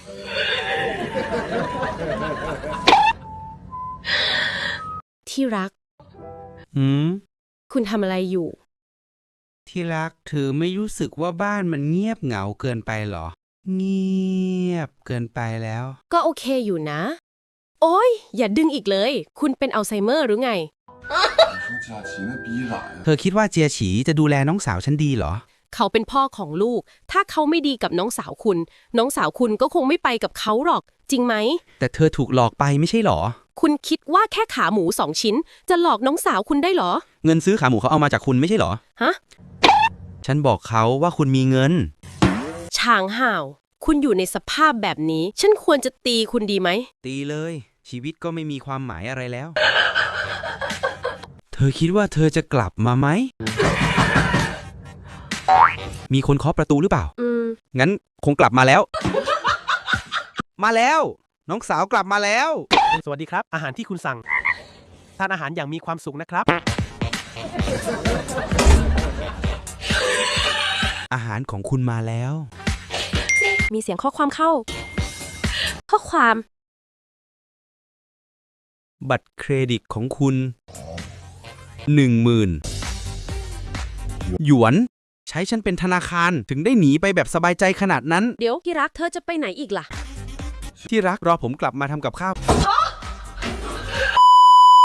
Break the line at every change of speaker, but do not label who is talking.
ที่รักคุณทำอะไรอยู่
ที่รักเธอไม่รู้สึกว่าบ้านมันเงียบเหงาเกินไปหรอเงียบเกินไปแล้ว
ก็โอเคอยู่นะโอ้ยอย่าดึงอีกเลยคุณเป็นอัลไซเมอร์หรือไง
เธอคิดว่าเจียฉีจะดูแลน้องสาวฉันดีเหรอ
เขาเป็นพ่อของลูกถ้าเขาไม่ดีกับน้องสาวคุณน้องสาวคุณก็คงไม่ไปกับเขาหรอกจริงไหม
แต่เธอถูกหลอกไปไม่ใช่หรอ
คุณคิดว่าแค่ขาหมู2 ชิ้นจะหลอกน้องสาวคุณได้เหรอ
เงินซื้อขาหมูเขาเอามาจากคุณไม่ใช่หรอ
ฮะ
ฉันบอกเขาว่าคุณมีเงิน
ช่างห่าวคุณอยู่ในสภาพแบบนี้ฉันควรจะตีคุณดีไหม
ตีเลยชีวิตก็ไม่มีความหมายอะไรแล้วเธอคิดว่าเธอจะกลับมาไหมมีคนเคาะประตูหรือเปล่างั้นคงกลับมาแล้วมาแล้วน้องสาวกลับมาแล้ว
สวัสดีครับอาหารที่คุณสั่งทานอาหารอย่างมีความสุขนะครับ
อาหารของคุณมาแล้ว
มีเสียงข้อความเข้าข้อความ
บัตรเครดิตของคุณ 10,000 หยวนใช้ฉันเป็นธนาคารถึงได้หนีไปแบบสบายใจขนาดนั้น
เดี๋ยวที่รักเธอจะไปไหนอีกล่ะ
ที่รักรอผมกลับมาทำกับข้าว